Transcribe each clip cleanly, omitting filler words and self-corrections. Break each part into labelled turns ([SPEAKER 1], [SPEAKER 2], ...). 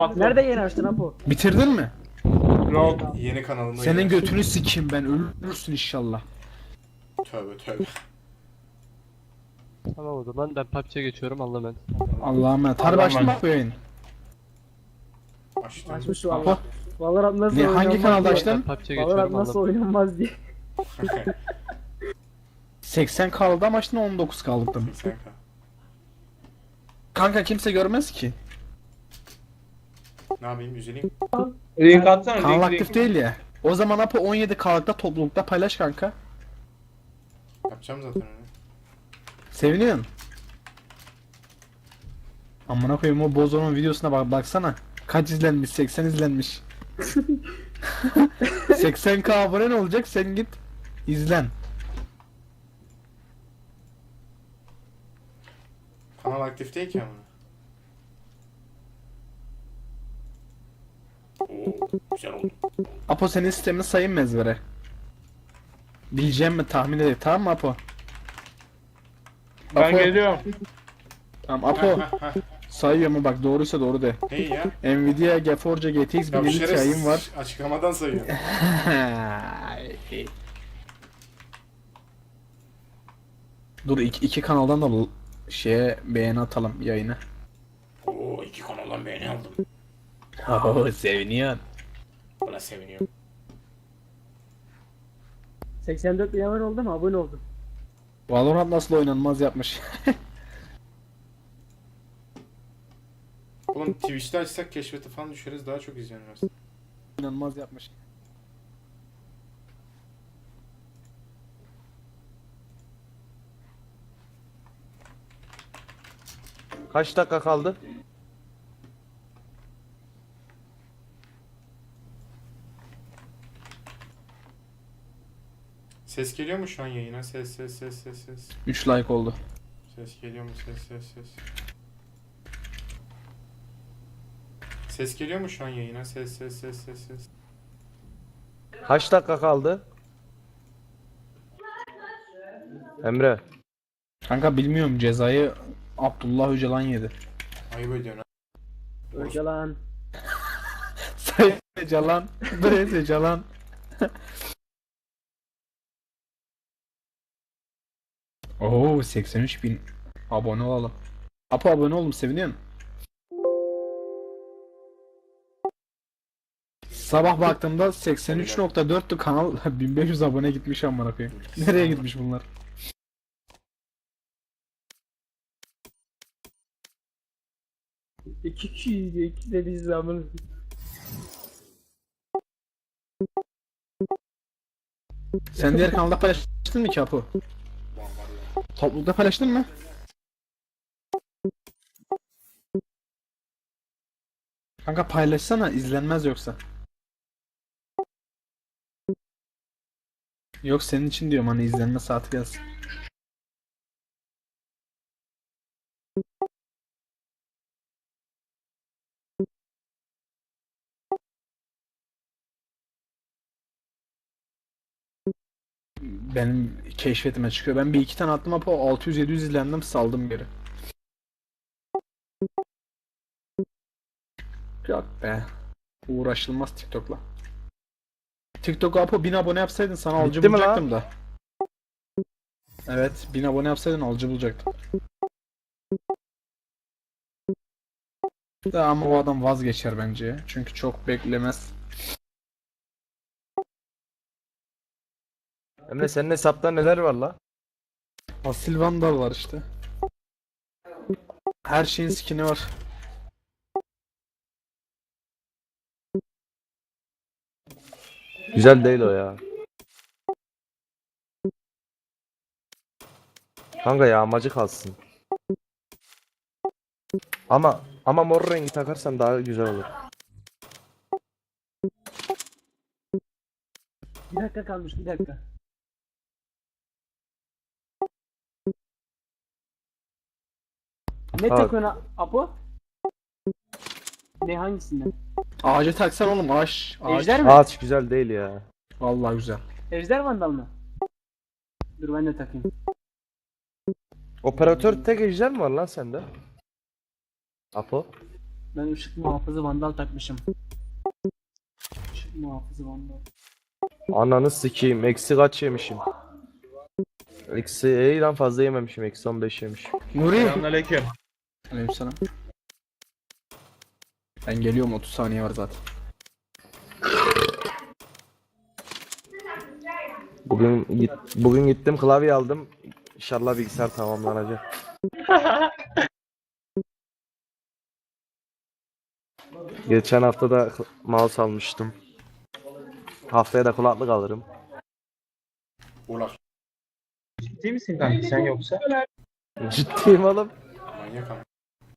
[SPEAKER 1] Nerede yeni açtın Apo?
[SPEAKER 2] Bitirdin mi?
[SPEAKER 3] Yok. Yeni kanalımda
[SPEAKER 2] Senin
[SPEAKER 3] yeni-
[SPEAKER 2] götünü sikeyim ben, ölürsün inşallah.
[SPEAKER 3] Tövbe tövbe.
[SPEAKER 4] Tamam o zaman ben PUBG'ye geçiyorum Allah'a emanet.
[SPEAKER 2] Allah'a emanet. Harbi
[SPEAKER 3] Allah'a
[SPEAKER 2] açtın mı bu yayın?
[SPEAKER 3] Açtım.
[SPEAKER 1] Açmış
[SPEAKER 2] Apo.
[SPEAKER 1] valla. Valorant nasıl
[SPEAKER 2] Ne,
[SPEAKER 1] oynanmaz
[SPEAKER 2] hangi kanalda
[SPEAKER 1] diye.
[SPEAKER 2] açtın?
[SPEAKER 4] Ben PUBG'ye
[SPEAKER 1] Valorant
[SPEAKER 4] geçiyorum
[SPEAKER 1] nasıl
[SPEAKER 4] Allah'a
[SPEAKER 1] oynanmaz diye.
[SPEAKER 2] 80 kaldı ama açtın 19 kaldı.
[SPEAKER 3] 80k.
[SPEAKER 2] Kanka kimse görmez ki.
[SPEAKER 3] Ne yapayım üzüleyim?
[SPEAKER 5] Link atsana,
[SPEAKER 2] Kanal
[SPEAKER 5] link,
[SPEAKER 2] aktif
[SPEAKER 5] link.
[SPEAKER 2] değil ya. O zaman Apo 17 K'lıkta toplulukta paylaş kanka.
[SPEAKER 3] Yapacağım zaten onu.
[SPEAKER 2] Seviniyorsun. Amına koyayım, o Bozo'nun videosuna baksana. Kaç izlenmiş? 80 izlenmiş. 80k abone ne olacak? Sen git izlen.
[SPEAKER 3] Kanal aktif değil ki ama. Oo, güzel oldu.
[SPEAKER 2] Apo senin sistemini sayayım mı ezbere? Bileceğim mi tahmin edeyim, tamam mı Apo?
[SPEAKER 5] Ben
[SPEAKER 2] Apo.
[SPEAKER 5] geliyorum.
[SPEAKER 2] Tamam Apo sayıyor mu, bak doğruysa doğru de.
[SPEAKER 3] Hey ya.
[SPEAKER 2] Nvidia GeForce GTX
[SPEAKER 3] Ya bu
[SPEAKER 2] 1050 Ti'm
[SPEAKER 3] şerefsiz
[SPEAKER 2] var.
[SPEAKER 3] açıklamadan sayıyor.
[SPEAKER 2] Dur iki kanaldan da şeye beğeni atalım yayına.
[SPEAKER 3] Oo, 2 kanaldan beğeni aldım.
[SPEAKER 2] Oo seviniyorsun.
[SPEAKER 3] Buna seviniyorum.
[SPEAKER 1] 84 bin abone oldum, abone oldum.
[SPEAKER 2] Valorant nasıl oynanmaz yapmış.
[SPEAKER 3] Oğlum Twitch'te açsak keşfete falan düşeriz, daha çok izlenir aslında.
[SPEAKER 2] Oynanmaz yapmış.
[SPEAKER 5] Kaç dakika kaldı?
[SPEAKER 3] Ses geliyor mu şu an yayına? Ses.
[SPEAKER 2] 3 like oldu.
[SPEAKER 3] Ses geliyor mu? Ses. Ses geliyor mu şu an yayına? Ses.
[SPEAKER 5] Kaç dakika kaldı? Emre.
[SPEAKER 2] Kanka bilmiyorum, cezayı Abdullah Öcalan yedi.
[SPEAKER 3] Ayıp ediyorsun ha.
[SPEAKER 1] Öcalan.
[SPEAKER 2] Sayın Öcalan. Bre Öcalan. Oo 83 bin abone olalım. Apo abone oldum, seviniyorum. Sabah baktığımda 83.4'tü kanal, 1500 abone gitmiş amına koyayım. Nereye gitmiş bunlar?
[SPEAKER 1] İki kişiydi, iki de biz zamanı.
[SPEAKER 2] Sen diğer kanalda paylaştın mı ki Apo? Toplulukta paylaştın mı? Kanka paylaşsana, izlenmez yoksa. Yok senin için diyorum, hani izlenme saati gelsin. Benim keşfetime çıkıyor. Ben bir iki tane attım Apo, 600-700 izlendim, saldım geri. Yok be. Uğraşılmaz TikTok'la. TikTok Apo 1000 abone yapsaydın sana alıcı
[SPEAKER 5] Bitti mi lan?
[SPEAKER 2] bulacaktım da. Evet 1000 abone yapsaydın alıcı bulacaktım. Da ama o adam vazgeçer bence ya. Çünkü çok beklemez.
[SPEAKER 5] Emre senin hesapta neler var la?
[SPEAKER 2] Asil Vandal var işte. Her şeyin skin'i var.
[SPEAKER 5] Güzel değil o ya. Kanka yağmacı kalsın. Ama mor rengi takarsan daha güzel olur.
[SPEAKER 1] Bir dakika kalmış, bir dakika. Ne
[SPEAKER 5] Ha.
[SPEAKER 1] takıyorsun Apo? Ne hangisinden?
[SPEAKER 2] Ağaca taksan oğlum, ağaç.
[SPEAKER 1] Ejder mi?
[SPEAKER 5] Ağaç güzel değil ya.
[SPEAKER 2] Vallahi güzel.
[SPEAKER 1] Ejder Vandal mı? Dur ben de takayım.
[SPEAKER 5] Operatör tek ejder mi var lan sende? Apo.
[SPEAKER 1] Ben ışık muhafızı vandal takmışım. Işık muhafızı vandal.
[SPEAKER 5] Ananı sikeyim. Eksi kaç yemişim? Eksi iyiden fazla yememişim. Eksi 15 yemişim.
[SPEAKER 2] Nuri.
[SPEAKER 6] Selamünaleyküm.
[SPEAKER 2] Aleykümselam. Ben geliyorum, 30 saniye var zaten.
[SPEAKER 5] Bugün gittim klavye aldım. İnşallah bilgisayar tamamlanacak. Geçen hafta da mouse almıştım. Haftaya da kulaklık alırım.
[SPEAKER 3] Ulak.
[SPEAKER 6] Ciddi misin kanka sen yoksa?
[SPEAKER 5] Ciddiyim oğlum.
[SPEAKER 3] Manyak ama.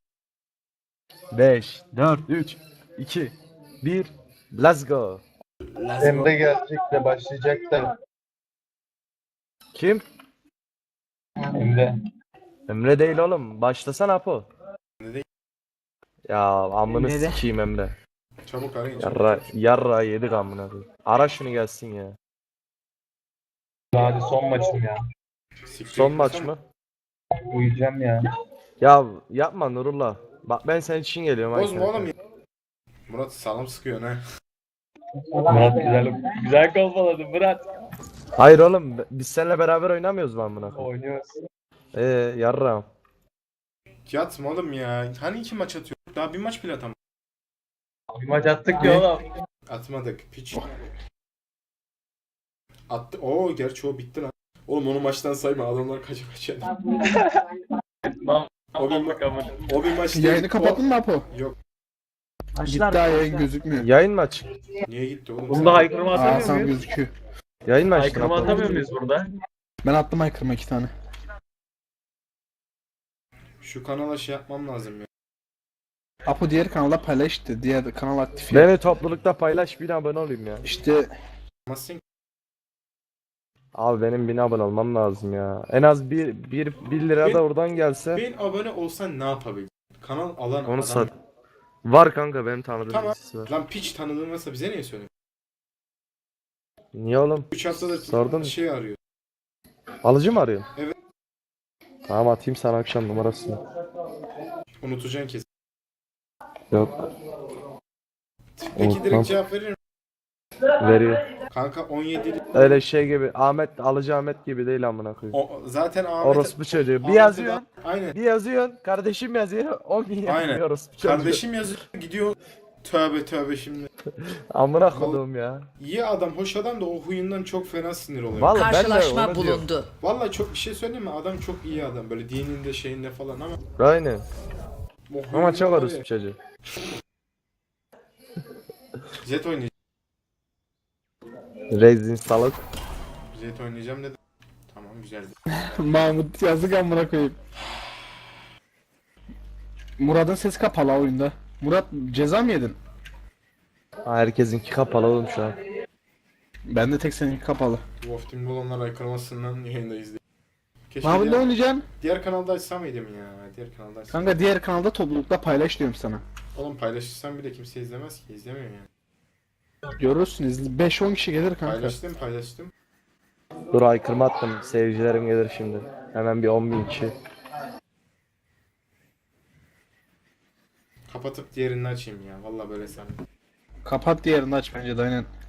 [SPEAKER 5] 5, 4, 3, 2, 1. Let's go.
[SPEAKER 6] Emre gelecek de başlayacak da.
[SPEAKER 5] Kim?
[SPEAKER 6] Emre.
[SPEAKER 5] Emre değil oğlum. Başlasana Apo.
[SPEAKER 3] Emre değil.
[SPEAKER 5] Ya amını
[SPEAKER 1] Emre de.
[SPEAKER 5] sikeyim Emre.
[SPEAKER 3] Çabuk arayın.
[SPEAKER 5] Yarra yedik amına koyayım. Ara şunu gelsin ya.
[SPEAKER 6] Hadi son maçım ya.
[SPEAKER 5] Son maç mı?
[SPEAKER 6] Uyuyacağım ya.
[SPEAKER 5] Ya yapma Nurullah. Bak ben senin için geliyorum.
[SPEAKER 3] Bozma oğlum ya. Murat sağlam sıkıyor ne?
[SPEAKER 6] Murat güzel kovaladı Murat.
[SPEAKER 5] Hayır oğlum biz seninle beraber oynamıyoruz mu amına koyayım?
[SPEAKER 6] Oynuyoruz.
[SPEAKER 5] Yarra.
[SPEAKER 3] Yatma oğlum ya. Hani 2 maç atıyor? Daha bir maç bile atamadık.
[SPEAKER 6] Bir maç attık ya oğlum.
[SPEAKER 3] Atmadık. Piç. Attı. Oo gerçi o bitti lan. Oğlum onu maçtan sayma. Adamlar kaça kaça. O bir, o bir maç değil.
[SPEAKER 2] Yayını kapattın mı Apo?
[SPEAKER 3] Yok.
[SPEAKER 2] Gitti
[SPEAKER 1] Açlar.
[SPEAKER 2] daha, yayın gözükmüyor.
[SPEAKER 5] Yayın mı açık?
[SPEAKER 3] Niye gitti oğlum?
[SPEAKER 6] Bunda haykırma
[SPEAKER 2] Aa
[SPEAKER 6] atamıyor
[SPEAKER 2] sen
[SPEAKER 6] muyuz?
[SPEAKER 2] gözüküyor.
[SPEAKER 5] Yayın mı açtın
[SPEAKER 6] Haykırma
[SPEAKER 5] Apo?
[SPEAKER 6] atamıyor muyuz burada?
[SPEAKER 2] Ben attım aykırma 2 tane.
[SPEAKER 3] Şu kanala şey yapmam lazım ya.
[SPEAKER 2] Apo diğer kanalda paylaş işte. Diğer kanal aktif ya.
[SPEAKER 5] Beni toplulukta paylaş 1000 abone olayım ya.
[SPEAKER 2] İşte
[SPEAKER 3] Yapmazsın ki.
[SPEAKER 5] Abi benim 1000 abone olmam lazım ya. En az 1 lira da oradan gelse.
[SPEAKER 3] 1000 abone olsan ne yapabilir? Kanal alan
[SPEAKER 5] Onu
[SPEAKER 3] adam.
[SPEAKER 5] sat. Var kanka benim tanıdığım
[SPEAKER 3] Tamam.
[SPEAKER 5] birisi var.
[SPEAKER 3] Lan piç tanıdığın varsa bize niye söylüyorsun?
[SPEAKER 5] Niye oğlum?
[SPEAKER 3] 3 haftadır
[SPEAKER 5] Sordun mu?
[SPEAKER 3] şey arıyor.
[SPEAKER 5] Alıcı mı arıyorsun?
[SPEAKER 3] Evet.
[SPEAKER 5] Tamam atayım sana akşam numarasını.
[SPEAKER 3] Unutacaksın kesin.
[SPEAKER 5] Yok.
[SPEAKER 3] Peki
[SPEAKER 5] Unutmam.
[SPEAKER 3] direkt cevap verir misin?
[SPEAKER 5] Veriyor.
[SPEAKER 3] Kanka 17'li.
[SPEAKER 5] Öyle şey gibi alıcı Ahmet gibi değil amına koyayım.
[SPEAKER 3] O, zaten Ahmet.
[SPEAKER 5] Orospu çocuğu. Bir
[SPEAKER 3] Ahmet'e
[SPEAKER 5] yazıyorsun.
[SPEAKER 3] Aynen.
[SPEAKER 5] Bir yazıyorsun. Kardeşim yazıyor. 10 bin
[SPEAKER 3] Aynen.
[SPEAKER 5] yazıyor orospu çocuğu.
[SPEAKER 3] Kardeşim yazıyor gidiyor. Tövbe tövbe şimdi.
[SPEAKER 5] Amına koduğum ya.
[SPEAKER 3] İyi adam, hoş adam da o huyundan çok fena sinir oluyor.
[SPEAKER 5] Vallahi ben de
[SPEAKER 7] Karşılaşma
[SPEAKER 5] onu diyorum.
[SPEAKER 7] bulundu.
[SPEAKER 3] Vallahi çok bir şey söyleyeyim mi? Adam çok iyi adam. Böyle dininde şeyinde falan ama.
[SPEAKER 5] Aynen.
[SPEAKER 3] o
[SPEAKER 5] Ama
[SPEAKER 3] huyundan
[SPEAKER 5] çok
[SPEAKER 3] var ya.
[SPEAKER 5] orospu çocuğu.
[SPEAKER 3] Jet oynayacağım.
[SPEAKER 5] Rezin salık.
[SPEAKER 3] Jet oynayacağım dedim. Tamam güzeldi.
[SPEAKER 2] Mahmut yazık amına koyayım. Murat'ın sesi kapalı oyunda. Murat ceza mı yedin?
[SPEAKER 5] Herkesinki kapalı oğlum şu an.
[SPEAKER 2] Ben de tek seninki kapalı.
[SPEAKER 3] Wolf Team'de olanlar aykırmasından yayındayız diye. Keşke
[SPEAKER 2] Mahmut ne
[SPEAKER 3] diğer,
[SPEAKER 2] oynayacaksın?
[SPEAKER 3] diğer kanalda açsam mıydım ya? Diğer kanalda açsam.
[SPEAKER 2] Kanka diğer kanalda toplulukta paylaş diyorum sana.
[SPEAKER 3] Oğlum paylaşırsam bile kimse izlemez ki. İzlemiyor yani.
[SPEAKER 2] Görürsün 5-10 kişi gelir kanka.
[SPEAKER 3] Paylaştım.
[SPEAKER 5] Dur aykırma attım. Seyircilerim gelir şimdi. Hemen bir 10 bin kişi.
[SPEAKER 3] Kapatıp diğerini açayım ya. Vallahi böyle sen.
[SPEAKER 2] Kapat diğerini aç bence de aynen.